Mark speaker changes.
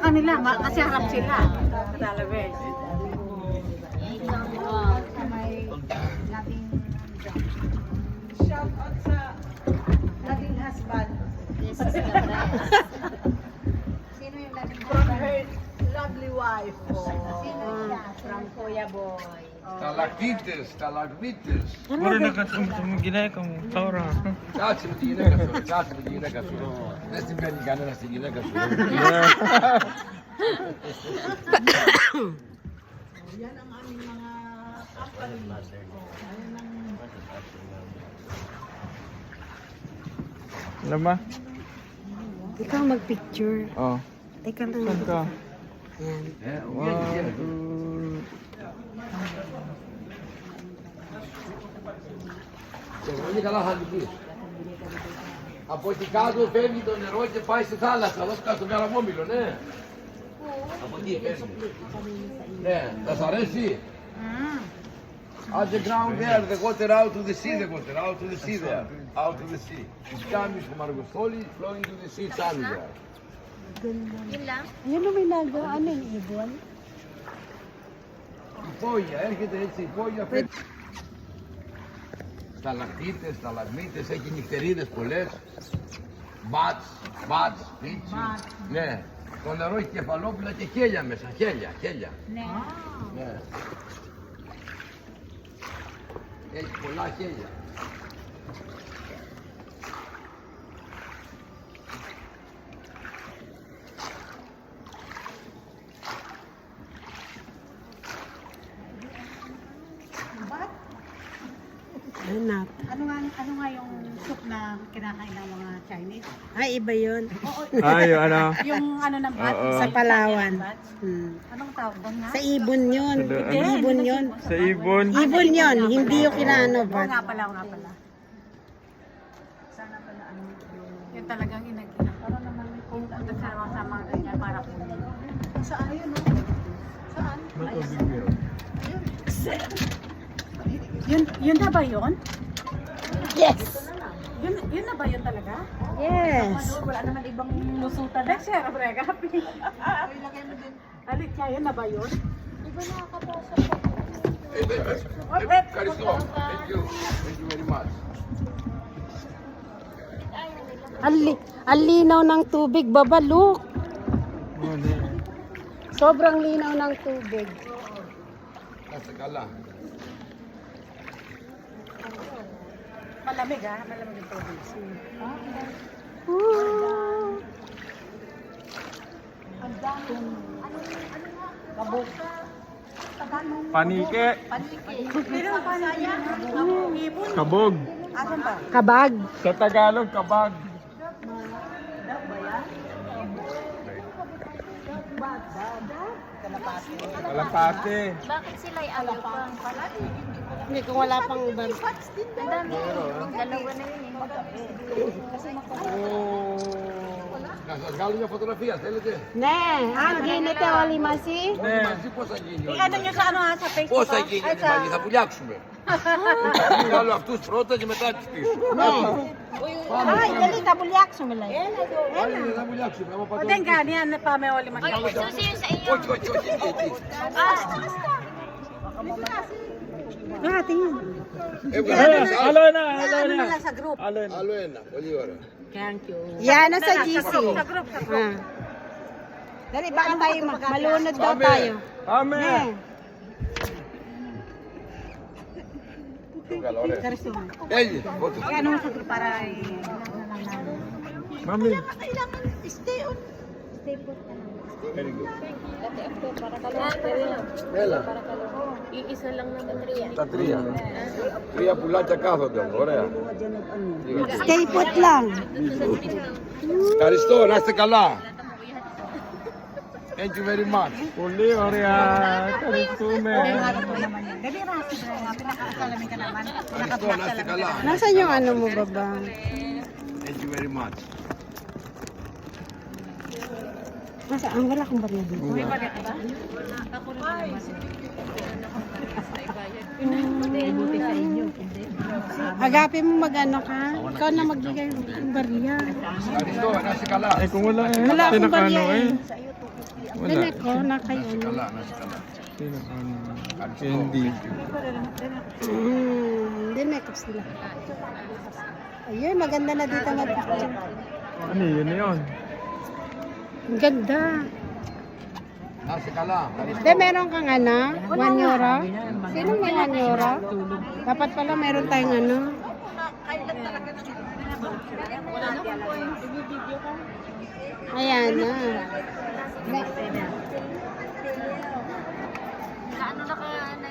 Speaker 1: kanila, kasi harap sila. Talaga eh.
Speaker 2: Shout out sa naging husband.
Speaker 3: This is the best.
Speaker 2: Sino yung naging from her lovely wife?
Speaker 3: From Kuya Boy.
Speaker 4: Stalactites, stalagmites.
Speaker 5: Mura na ka tumugilay kang taura.
Speaker 4: Κάτσε με τη γυναίκα σου, κάτσε με τη γυναίκα σου. Δεν συμβαίνει κανένα στη γυναίκα σου.
Speaker 2: Yan ang aming mga company.
Speaker 5: Alam ba?
Speaker 1: Ikaw mag-picture.
Speaker 5: Oh.
Speaker 1: Teka lang.
Speaker 5: Saan ka?
Speaker 1: Yan.
Speaker 5: One, two.
Speaker 4: Πολύ καλά θα λυπείς. Από εκεί κάτω φεύγει το νερό και πάει στη θάλασσα, εδώ κάτω στο Καραβόμιλο, ναι. Από εκεί φεύγει. Ναι, θα σ' αρέσει. At the ground there, the water out to the sea, the water out to the sea there, out to the sea. It's coming from Argostoli, flowing to the sea, it's coming there.
Speaker 3: Yun lang?
Speaker 1: Yan ang may naga. Ano yung ibon?
Speaker 4: Η πόγια, έρχεται έτσι η πόγια, φεύγει. Σταλακτίτες, σταλαγμίτες, έχει νυχτερίδες πολλές. Μπατς, πίτσι. Ναι. Το νερό έχει κεφαλόπουλα και χέλια μέσα, χέλια. Ναι. Έχει πολλά χέλια.
Speaker 1: Hanap.
Speaker 2: Ano nga yung soup na kinakain ng mga Chinese?
Speaker 1: Ay, iba yun.
Speaker 5: Ay, yung ano?
Speaker 2: Yung ano ng bat?
Speaker 5: Oo.
Speaker 1: Sa Palawan.
Speaker 2: Anong tawag doon nga?
Speaker 1: Sa ibon yun.
Speaker 5: Sa ano?
Speaker 1: Ibon yun.
Speaker 5: Sa ibon.
Speaker 1: Ibon yun. Hindi yung kinaano
Speaker 2: Oo
Speaker 1: ba?
Speaker 2: nga pala. Sana pala ano yung talagang inagina. Para naman may pumunta sa mga ganyan para po. Saan yun? Saan? Yun na ba yun?
Speaker 1: Yes.
Speaker 2: Yun na ba yun talaga?
Speaker 1: Yes.
Speaker 2: Wala naman ibang lusutan. Next year, brega. Alit kaya yun na ba yun?
Speaker 4: Ευχαριστώ. Thank you very much.
Speaker 1: Ang linaw ng tubig, baba, look. Sobrang linaw ng tubig.
Speaker 4: Κάτσε καλά.
Speaker 2: Malamig malamig yung tubig. Ang daming, ano kabog.
Speaker 5: Panike.
Speaker 2: Pero panaya, ibon.
Speaker 5: Kabog.
Speaker 2: Asan ba?
Speaker 1: Kabag.
Speaker 5: Sa Tagalog, kabag. Kalapate.
Speaker 3: Bakit sila ay ayaw pa?
Speaker 1: Hindi, kung wala pang bar.
Speaker 3: Ang dami. Dalawa na yun
Speaker 5: Oh.
Speaker 4: Να σας βγάλω μια φωτογραφία, θέλετε.
Speaker 1: Ναι, αν γίνεται όλοι μαζί.
Speaker 4: Όχι μαζί, πώς θα γίνει όλοι
Speaker 2: Ano
Speaker 4: μαζί.
Speaker 2: nyo sa ano sa Facebook?
Speaker 4: Πώς θα γίνει όλοι μαζί, θα πουλιάξουμε. Θα βγάλω αυτούς πρώτα και μετά τους πίσω.
Speaker 1: Ay, dali, tabulyak sumilay.
Speaker 4: Πάλι θα πουλιάξουμε. άμα
Speaker 2: O
Speaker 4: πάτε
Speaker 2: din
Speaker 4: όλοι
Speaker 2: ka, niyan na pa may oli
Speaker 3: Oy,
Speaker 2: mag-
Speaker 3: susi yun sa inyo.
Speaker 4: Όχι, εκεί.
Speaker 1: Ah, tingin.
Speaker 4: Έβγαλε ένα.
Speaker 5: Alo na, alo
Speaker 2: Ano
Speaker 5: na.
Speaker 2: nila sa group?
Speaker 5: Alo na.
Speaker 4: Άλλο ένα, πολύ ωραία.
Speaker 1: Yan, nasa GC.
Speaker 2: Sa group.
Speaker 1: Ah. Dali, baka tayo malunod daw
Speaker 4: Amen.
Speaker 1: tayo.
Speaker 5: Amen.
Speaker 4: Έβγαλε, ωραία.
Speaker 1: Karisma.
Speaker 4: Έλει, φώτο.
Speaker 2: Ano sa group para
Speaker 5: Mami.
Speaker 4: Very good. Έλα.
Speaker 3: Iisa lang naman rin.
Speaker 4: Τα τρία. Τρία πουλάκια κάθονται, ωραία.
Speaker 1: Stay put lang.
Speaker 4: Ευχαριστώ, να είστε καλά. Thank you very much.
Speaker 5: Uli, Oria. Karisume.
Speaker 2: Dali rasi ba? Pinakakalamin ka naman.
Speaker 4: Ευχαριστώ, να είστε καλά.
Speaker 1: Nasaan yung ano mo, baba?
Speaker 4: Thank you very much.
Speaker 1: Nasaan? Wala kang barya dito.
Speaker 2: May bagat ba? Buti sa inyo.
Speaker 1: Agapin mo mag-ano ka? Ikaw na magbigay ng barya.
Speaker 4: Ευχαριστώ, να είστε καλά.
Speaker 5: Eh, kung wala eh.
Speaker 1: Wala akong
Speaker 5: Tinakano
Speaker 1: barya
Speaker 5: eh.
Speaker 1: eh.
Speaker 5: Wala.
Speaker 1: Dinek ko, na kayo.
Speaker 4: Kala, nasa kala.
Speaker 5: Sino candy.
Speaker 1: Dinek ko sila. Ayun, maganda na dito mag-picture.
Speaker 5: Ano yun?
Speaker 1: Ang ganda.
Speaker 4: Nasa kala.
Speaker 1: De, meron kang ano? 1 euro? Sino may 1 euro? Dapat pala meron tayong ano. Ayan na.
Speaker 3: Ano na ka